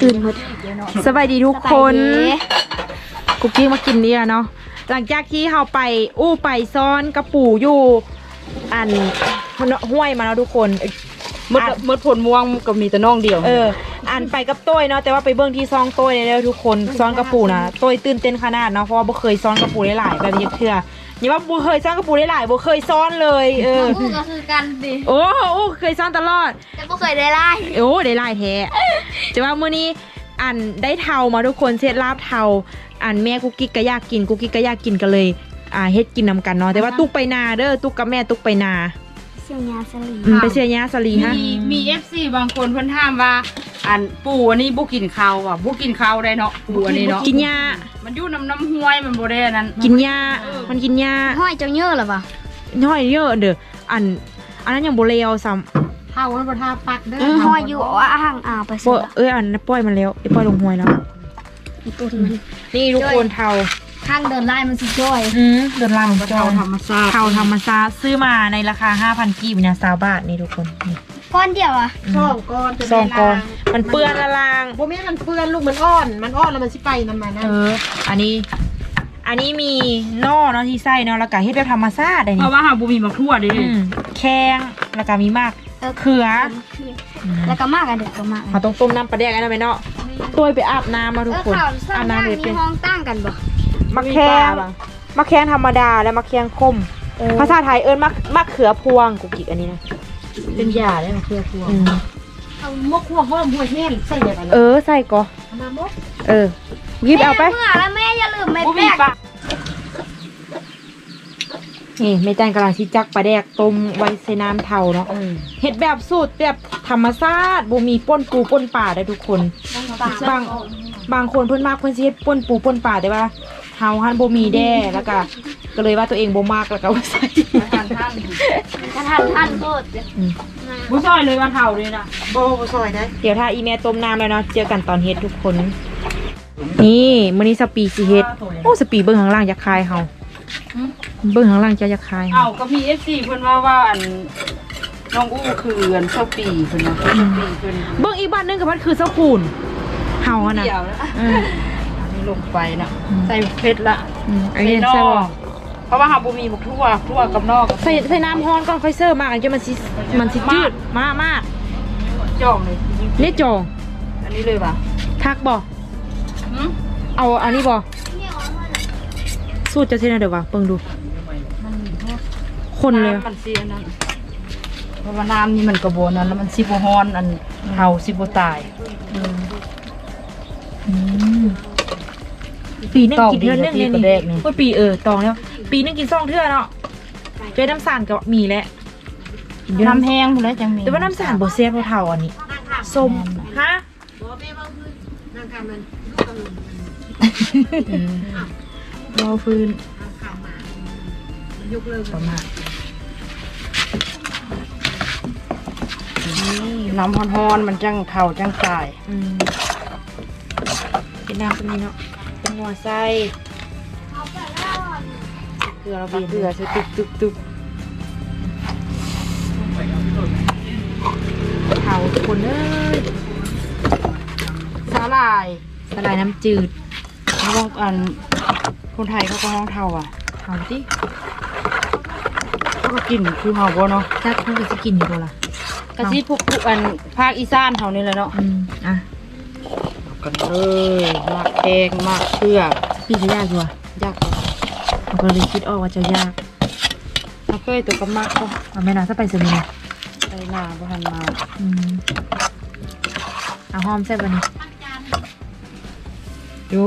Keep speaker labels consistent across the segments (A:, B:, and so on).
A: ตื่นหมดสบายดีทุกคนกุ๊กกิ๊กมากินเนี่ยเนาะหลังจากที่เราไปไปซ้อนกระปูอยู่อันห้วยมาแล้วทุกคน
B: มดผลม่วงก็มีแต่น้องเดียว
A: อันไปกับต้ยเนาะแต่ว่าไปเบื้องที่ซองต้ยเลยทุกคนซ้อนกระปูนะต้ยตื่นเต้นขนาดเนาะเพราะว่าบ่เคยซ้อนกระปูหลายๆแบบนี้เทื่อนี่ว่าบ่เคยซ้อนกระปูหลายๆบ่เคยซ้อนเลย
C: ก็คือกันดิ
A: โอ้เคยซ้อนตลอด
C: แต่บ่เคยได้ไล่
A: ได้ไล่แท้แต่ว่ามื้อนี้อันได้เทามาทุกคนเซตลาบเทาอันแม่กุ๊กกิ๊กก็อยากกินกุ๊กกิ๊กก็อยากกินกันเลยเฮ็ดกินนำกันเนาะแต่ว่าตุ๊กไปนาเด้อตุ๊กกับแม่ตุ๊กไปนา
C: เสียยาสลี
A: ไปเสียยาสลีฮะ
B: มี FC บางคนเพิ่นถามว่าอันปูอันนี้บ่กินข้าวอ่ะบ่กินข้าวได้เนาะปูอันนี้เนาะ
A: กินยา
B: มันอยู่น้ำห้วยมันบ่ได้นั้น
A: กินยามันกินยา
C: ห้อยเจ้าเยอะหรอปะ
A: ห้อยเยอะเด้ออันนั้นยังบ่เลวซ้
B: ำเท่ามันบ่ท่าปักเด้อ
C: ห้อยอยู่ห่างไป
A: สิอันปล่อยมันแล้วปล่อยลงห้วยแล้วนี่ทุกคนเทา
C: ข้างเดินไล่มันสิจ้อย
A: เดินไล่มัน
B: เทาธรรมชาติ
A: เทาธรรมชาติซื้อมาในราคา 5,000 กีบเนี่ย20 บาทนี่ทุกคนนี่
C: ก้อนเดียว
B: 2 ก้อน
A: 2 ก้อนมันเปื้อนละลาง
B: บ่แม่มันเปื้อนลูกมันอ่อนแล้วมันสิไปนำมานะ
A: อันนี้มีนอเนาะที่ไส้เนาะแล้วก็เฮ็ดแบบธรรมชาติ
B: เพราะว่าหาบ่มีมะทั่วดิ
A: แข้งแล้วก็มีมากเขือ
C: แล้วก็มากอันเด็กก็มาก
A: เขาต้องต้มน้ำปลาแดกนะแม่เนาะตัวไปอาบน้ำมาทุกคน
C: อาบน้ำเลยมีห้องตั้งกันบ่
A: มะแข้งธรรมดาและมะแข้งคมภาษาไทยมะเขือพวงกุกกิกอันนี้นะ
B: เป็นยาได้มะเขือพวงเอามะขั่วหอมหัวแห้งใส่แบบนั้น
A: ใส่ก็
B: มามก
A: ยิบเอาไป
C: เมื่อแล้วแม่อย่าลืมเม็ดแป้ง
A: นี่แม่จันกำลังชิจักปลาแดกต้มไว้ใส่น้ำเทาเนาะเห็ดแบบสูตรแบบธรรมชาติบ่มีป่นปูป่นป่าได้ทุกคนบางคนเพิ่นมากเพิ่นสิเฮ็ดป่นปูป่นป่าแต่ว่าเฮาหันบ่มีแด้แล้วก็เลยว่าตัวเองบ่มากแล้วก็ใส่
C: ท่านโคตร
B: บ่ซอยเลยว่าเท่าเลยนะบ่ซอยได้
A: เดี๋ยวถ้าอีแม่ต้มน้ำแล้วเนาะเจอกันตอนเฮ็ดทุกคนนี่มื้อนี้สปีสิเฮ็ดสปีเบิ่งข้างล่างอยากคายเฮาเบิ่งข้างล่างจะคาย
B: ก็มี FC เพิ่นว่าอันน้องอู้คืออันเจ้าปีเพิ่นนะ
A: เบิ่งอีกบ้านนึงกับมันคือเจ้าคูนเฮาน่ะ
B: นี่ลงไปนะใส่เผ็ดละ
A: อันนี้ใส่บ่
B: เพราะว่าเฮาบ่มีหมกทั่วกับนอก
A: ใส่น้ำร้อนก่อนค่อยเสิร์ฟมากันจนมันสิจืดมาก
B: จ่องเลย
A: เรียกจ่อง
B: อันนี้เลยป่ะ
A: ทักบ่เอาอันนี้บ่สูตรจะเท่าไหร่เดี๋ยววะเบิ่งดูคนเลย
B: มันเสียนั่นเพราะว่าน้ำนี่มันกระโบนนั้นแล้วมันสิบฮอนอันเฮาสิบตาย
A: ปีนึงกินเทื่อนึงเนี่ยนี่ว่าปีตองแล้วปีนึงกิน2 เทื่อเนาะเจอน้ำสารกับมีแหละ
B: น้ำแห้งหมดแล้วจังมี
A: แต่ว่าน้ำสารบ่แซ่บเท่าอันนี้ส้มฮะรอฟื้น
B: ยกเลิกประมาณน้ำฮอนมันจังเข่าจังกาย
A: เป็นน้ำตรงนี้เนาะเป็นหัวไส้เกลือเราเกลือใส่ตึกเผาคน
B: สาหร่าย
A: น้ำจืด
B: เขาบอกอันคนไทยเขาก็ห้องเทา
A: เผาที่
B: เขาก็กินคือเผาบ่เนาะ
A: ถ้าเขาจะกินอยู่บ่ล่ะ
B: กะซิพวกอันภาคอีสานเท่านี้เลยเนาะกันเลยมากแกงมากเชื่อ
A: พี่จะยากอยู่อ่ะ
B: ยาก
A: เราก็เลยคิดออกว่าจะยาก
B: เราเคยตัวกับมากก็
A: ไม่น่าจะไปสมิง
B: ไปหน้าบ่ทันมา
A: เอาหอมแซ่บวันนี้
B: ดู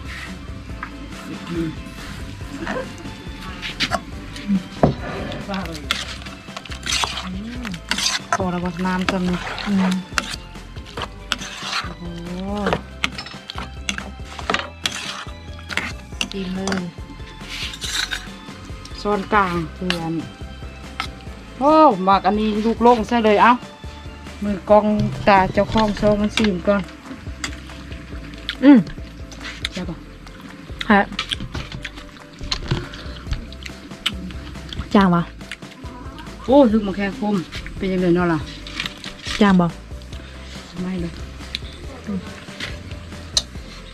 B: พอระบบน้ำจำเลยโอ้โหดีเลยโซนกลางเพื่อนโอ้หมักอันนี้ลูกโล่งใช่เลยเอ้ามือกองตาเจ้าของโซ่มันซีมก่อนใช่ปะ
A: ฮะจางปะ
B: โอ้ถึงมาแค่คมเป็นยังไงเนาะล่ะ
A: จางบ่
B: ไม่เลย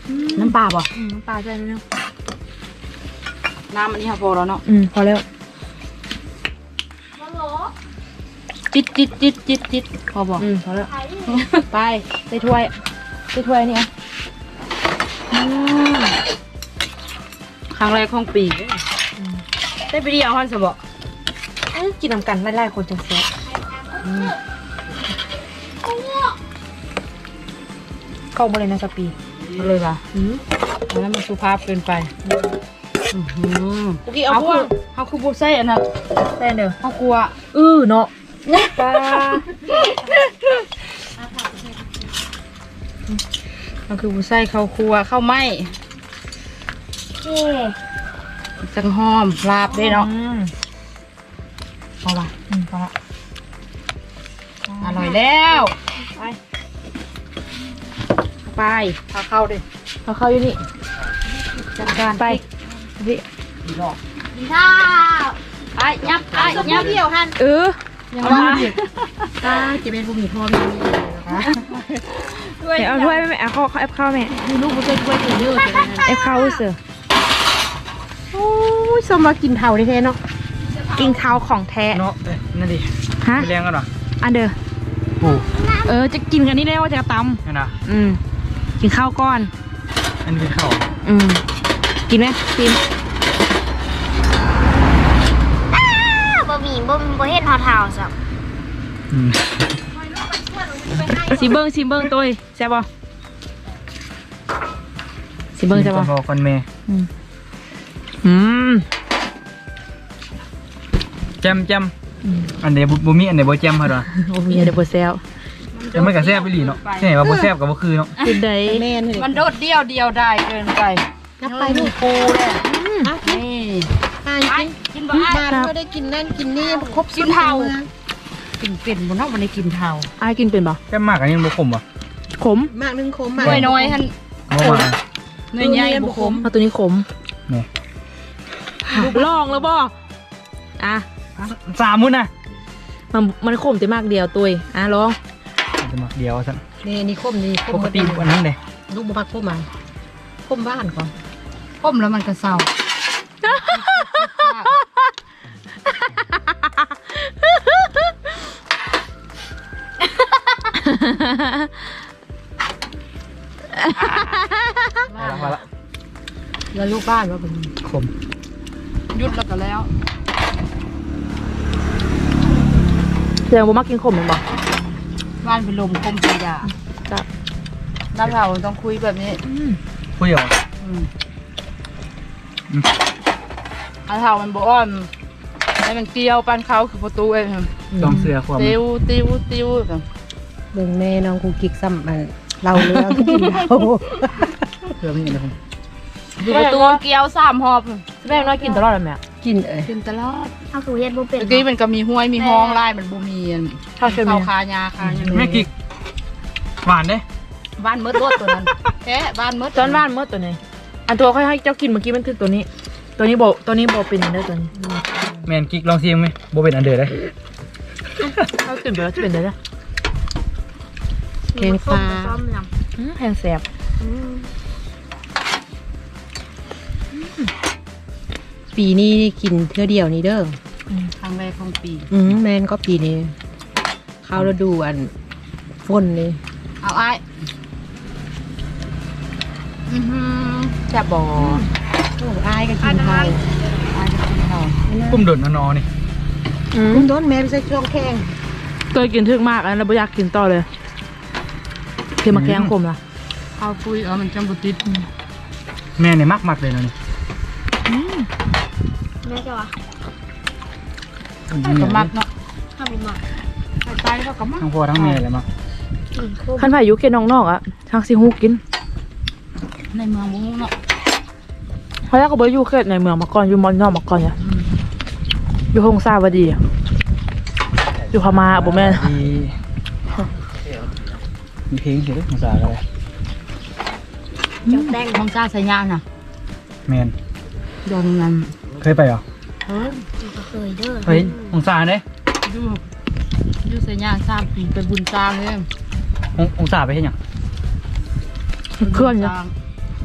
B: น้ำปลาบ่
A: น้ำปลาใส่นิดนึง
B: น้ำอันนี้ค่ะพอแล้วเนาะ
A: พอแล้ว
B: จิตพอบ่
A: พอแล้วไปใส่ถ้วยนี่อ่ะ
B: ครั้งแรกของปีได้ไปเดียวฮันสบ
A: กินน้ำกันไล่ๆคนจังแซ่บเข้ามาเลยนะสปี
B: เลยป่ะแล้วมันสุภาพเกินไป
A: เมื่อกี้เอาพวก
B: เขาคือบุใส่อันนั้น
A: แซ่เด้อ
B: เขากลัว
A: เนาะปลา
B: เขาคือบุใส่เขาครัวเข้าไหม
C: เย่
B: จังหอมลาบได้เนาะพอป่ะ
A: พอละ
B: อร่อยแล้ว
A: ไป
B: พาเข้าดิ
A: เอาเข้าอยู่นี่
B: จัดการ
A: ไปพี่
C: กินข้าว
B: ไอ้ยับเดียวหัน
A: ยังว่า
B: จะเป็นผู้มีพ่อมีด้วย
A: เอาถ้วยแม่เอาเข้าแอปเข้าแม่
B: มีลูกบุใส่ถ้วยถึงเยอะเลย
A: แอปเข้าเสือโอ้ยสมมากินเทาแท้ๆเนาะกินเทาของแท้
D: เนาะนั่นดิ
A: ฮะ
D: ไปเลี้ยงกันเหรอ
A: อันเดอร์
D: โอ้
A: จะกินกันนี่ได้ว่าจะต
D: นั่นนะ
A: ำกินข้าวก้อน
D: อันนี้เป็นข้าว
A: กินไหมกิน
C: บะหมี่บ่เห็นเท่าๆสับ
D: อืม
A: ซีเบิ้งตัวแซ่บป่ะซีเบิ้งแซ่บป่ะ
D: พอคนเมย์ แจมอันเดียบุมีอันเดียบ่แจมเหรอ
A: โอ้มีอะไรบ่แซ่บ
D: แต่มันกับแซ่บไปหลีเนาะที่ไหนว่าบ่แซ่บกับบ่คือเนาะ
A: กินได้
B: มันโดดเดียวได้เกินไปนับไปลูกปูเลยนี่กินบ้านก็ได้กินนั่นกินนี่ครบกินเทากินเป็นบนนอกมันได้กินเทา
A: อ้ายกินเป็นป่ะ
D: แซ่บมากอันนี้บ่ขมป่ะ
A: ขม
B: มากนึงขมมากน้อยท่าน
D: บ่มา
B: เนื้อใหญ่บุขม
A: เอาตัวนี้ขม
D: นี่
A: ลองแล้วบ่อ่ะ
D: 3 มื้อน่ะ
A: มันขมแต่มากเดียวตัวลอง
D: จะมาเดียวซั่น
B: นี่คมนี่ค
D: ป
B: ม
D: กติอันนั้นเด้
B: ลูกบุพักคมมาคมบ้านก่อนคมแล้วมันก็เศร้า
D: มาละ
B: แล้วลูกบ้านว่าเป็น
D: ขม
B: ยุดแล้วก็แล้ว
A: แสดงว่ามักกินขมเลยบ่
B: บ้านเป็นลมคมสีดา
A: ครับ
B: น้ำเราต้องคุยแบบนี้
D: คุยเหรอ
B: อันเท่ามันบอกว่าให้มันเกลียวปันเขาคือประตูเอง
D: จองเสือความ
B: ติว
E: เบิ่งแม่น้องกูกิกซ้ำมันเราเรื่องกินเรา
D: เสือมีอะไรผม
B: อยู่ประตูเกลียว3 หอบ
A: แม่น้อยกินตลอดเลยแม่
E: กินเอ้ย
B: กินตลอด
C: เอาคือเฮ็ดบ่เป็น
B: เมื่อกี้มันก็มีห้วยมีห้องไล่มันบ่มี
A: ข้าวเค็ม
B: เข้าคายาคา
D: แม่กิกหวานเด้
B: บ้านมืดรถตัวนั้นแค่บ้านมืด
A: ตอนบ้านเมื่อตัวนี้อันตัวค่อยให้เจ้ากินเมื่อกี้มันคือตัวนี้ ตัวนี้บ่เป็นอันเด้อตัวนี้
D: แม่นกิกลองชิมไหมบ่เป็นอันเด้อเด้
A: ข้าวตื่นไปแล้วจะเป็นได้จ้ะ
E: แกงปลา
C: ซ้อมย
A: แพงแสบ
E: ปีนี้กินเท่าเดียวนี่เด้อ
B: ครั้งแรกของปี
E: แม่นก็ปีนี้เข้าฤดูอันฝนนี่
B: เอาไอ้แซ่บบ่
E: โอ้อายก็กินเท่า
B: ไอ้จะกินเท่า
D: กุ้มโดดนอนนี่
E: คุณโดนแม่ไปใส่ช่องแข้ง
A: ตัวกินทึกมากแล้วบ่อยากกินต่อเลยคือมาแกงขมล่ะ
B: เอาคุยมันจังบุติด
D: แม่เนี่ยมักเลยนะนี่
C: ำแม่จะว่า
B: ก็มักเนาะ
C: ถ้าบ่มัก
B: ไปแล้วก็มัก
D: ทั้งพ่อทั้งแม่เลยมัก
A: คันไผ่ยุเกนน้องๆอ่ะทางสิฮู้กิน
B: ในเมืองมุ้งเนาะ
A: เพราะแล้วก็บ่อยู่เขตในเมืองมาก่อนอยู่มอนนอกมาก่อนเนี่ยอยู่ฮงซาวดีอะอยู่พม่าบ่แม่น
D: มีเพลงเสียด้วยภาษาอะไร
C: จังแต่ง
B: ห้องจ้าใส่ยางน่ะ
D: แมน
B: โดนเงิน
D: เคยไปเหรอ
C: ก็เคยเด้อ
D: เฮ้ยองศาเด้
B: ยูใส่ยาง3 ปีเป็นบุญจางเลย
D: องศาไปเห็นยัง
A: เคลื่อนเนี่ย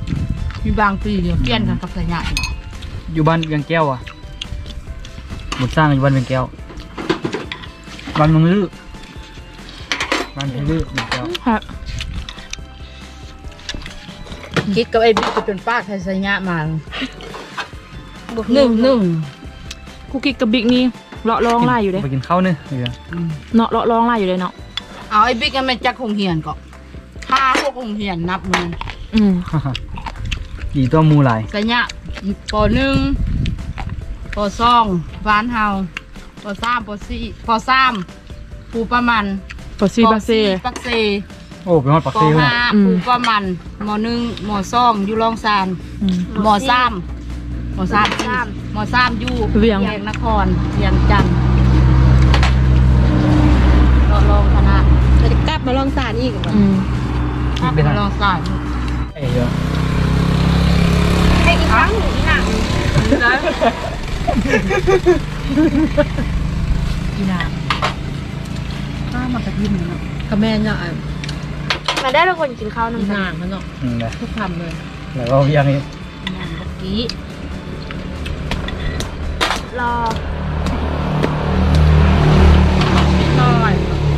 B: มีบางปีเดียวเปลี่ยนกันกับสายใหญ่
D: อยู่บ้านเวียงแก้วอ่ะหมดสร้างอยู่บ้านเวียงแก้วบ้านเมืองลือบ้านเมืองลือเวียงแก้ว
A: ครับ
B: คิดกับไอ้บิ๊กจะเป็นป้าไทยสายใหญ่มาหนึ่ง
A: กูกิกกับบิ๊กนี่เลาะร้องไล่อยู่เลย
D: ไปกินข้าวเนื้อเดี๋ยว
A: เนาะเลาะร้องไล่อยู่เลยเนาะ
B: เอาไอ้บิ๊กกันมันจักคงเหียนก็ค่าพวกคงเหียนนับมัน
A: อืม
D: กี่ตัวมูหลาย
B: สายใหญ่ปหนึ่งปสองบ้านเฮาปสามปสี่ปสามปูประมัน
A: ปอซีบาเซ่
B: ปักเซ
D: โอ้ไปฮอดปัก
B: ป
D: เซ่เลย
B: ห้าปูประมันมหนึ่งมสองอยู่รองซาน
A: อืม
B: มสามมสามอยู่
A: เวียง
B: นครเวียงจันทร์รองคณะ
E: จะกลับมาลองสารอีกเหรอ
A: อืม
B: ครับรองสาย
D: ไอ้เยอะ
C: ให้อีกครั้งหนึ่งหนัง
B: อีนาข้ามากระทิมเนาะ
E: กระแมนเนาะ
C: มาได้ทุกคนกินข้าว
E: อี
C: น้ำ
E: ห
C: ตา
E: นา
C: ล
E: มันเนาะ
D: เลย
E: ทุกคำเลย
D: แล้วก็เวียงนี่
B: งานเมื่อกี้
C: รอ
B: น้อย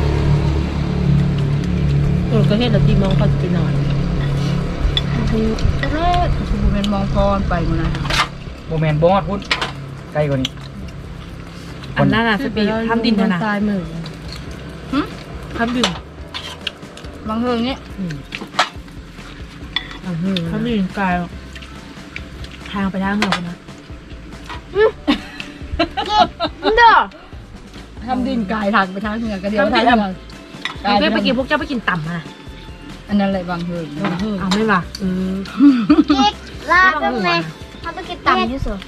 E: ตัวก็เห็นแล้วที่มองเขาจะไปนอน
B: ก็เลิศชูเป็นมองพรไปมันนะ
D: โบแมนบอดพุ่นใกล้กว่านี้
A: อันนั้นน่ะสปีดทำดินนะนะ
E: ทรายมือ
A: ทำดิน
B: บางเฮืองนี้
A: ทำดินกลายทางไปทางเหนือคนนะ
C: เด้อ
B: ทำดินกายทางไปทางเหนือก็เดียว
A: ทำดิน
B: ทาง
A: เพื่อนไปกินพวกเจ้าไปกินต่ำมานะ
B: อันนั้นเลยบางเฮือง
A: เอาไม่ว่ะ
C: กิ๊กลาตั้งไงทำไปกินต่ำที่สุด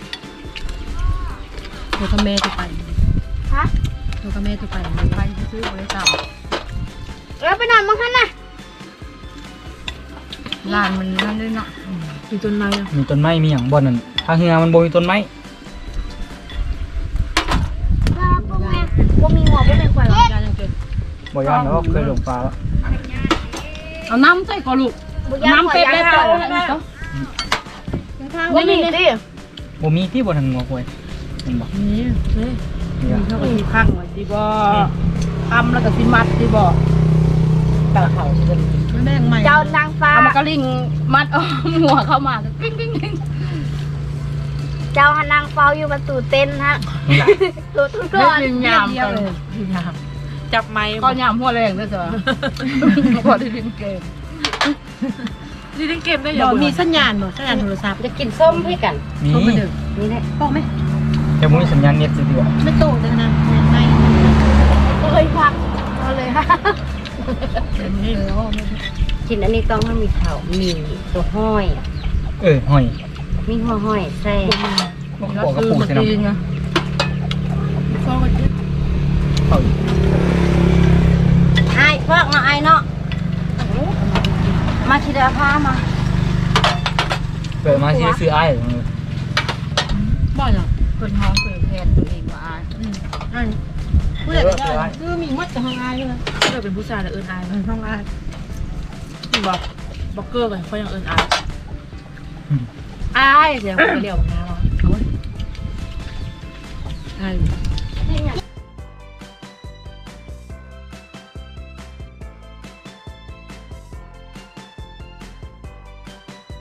E: ตัวกระแมจะไป
C: ฮะ
E: ตัวกระแมจะไป
B: ไปซื้อบริษัท
C: แล้วไปนอนมั้งคะน่ะ
B: ลานมันนั่นด้วยเนาะ
A: มีต้นไม้อะ
D: มีต้นไม้มีอย่างบ่อนนั่นทางเฮือมันบ่มีต้นไม้
C: ลาปุ๊บแม่บ่มีหัวบ่เป็นควายหรอก
E: ยายังเกิด
D: บ่ยานแล้วเคยหลงปลาแล้ว
B: เอาน้ำใส่ก่อนลูก
C: บ่ยาก
B: น้ำ
C: หัว
B: เป๊ะ
C: ยา
B: ได้
C: ก
B: ต่อ
C: บ่มีสิ
D: บ่มีที่บ่ทางหัวควยเห็นบ่
E: นี่เฮ้ย
D: นี่อะ
B: เขาก็มีพังไว้ที่บ่ทำแล้วก็สิมัดที่บ่
E: เต่าเขาจะไม่แบ่งใหม่
C: เจ้านางฟ้า
B: เอามากระลิงมัดเอาหัวเข้ามากิ้งกิ้งกิ้ง
C: เจ้าหันนางเฝ้าอยู่ประตูเต็นท์ฮะ
D: นี่ล่ะ
C: ตัวทุกค
B: เล่
C: น
B: นยามกัน
A: จับไม้
B: ก็ยามหัวแรงด้วยจ้ะพอได้ดินเกม
A: นี่เล่นเกมได้
E: บ
A: ยั
E: อง กมีสัญญาณบ่สัญญาณโทรศัพท์
B: จะกินส้มให้กัน
D: มี
E: โทรมาดึกนี่แหละบอกไหม
D: แต่บ่มีสัญญาณเน็ตสิเดียว
E: ไม่โตเลยนะไม่
C: เลยพักเอาเลยฮะ
F: กินอันนี้ต้องมันมีเขามีตัวห้อยอะ
D: ห้อย
F: มีหัวห้อยแซ่
D: บ่บอกกับปู่สิเนาะ
B: ไง
D: เขาอีก
F: ไอ้พวกเนาะไอ้เนาะมาคิดเอาผ้ามา
D: เปิดมาสิซื้ออ้าย
E: บ่อยเหรอ
B: คนห้องเปิดแทนตัวเองว่า
E: อันผู้ใหญ่ก็ได้คือมีมัดกับห้องอายเลย
A: เกิดเป็นผู้ชายแล้วเอิญอาย
E: ห้องอาย
A: บอกบอกเกอร์กันเขายังเอิญอายอายเดี๋ยวเขาเรียกว่าไงวะ
E: อาย
C: นี่เนี่ย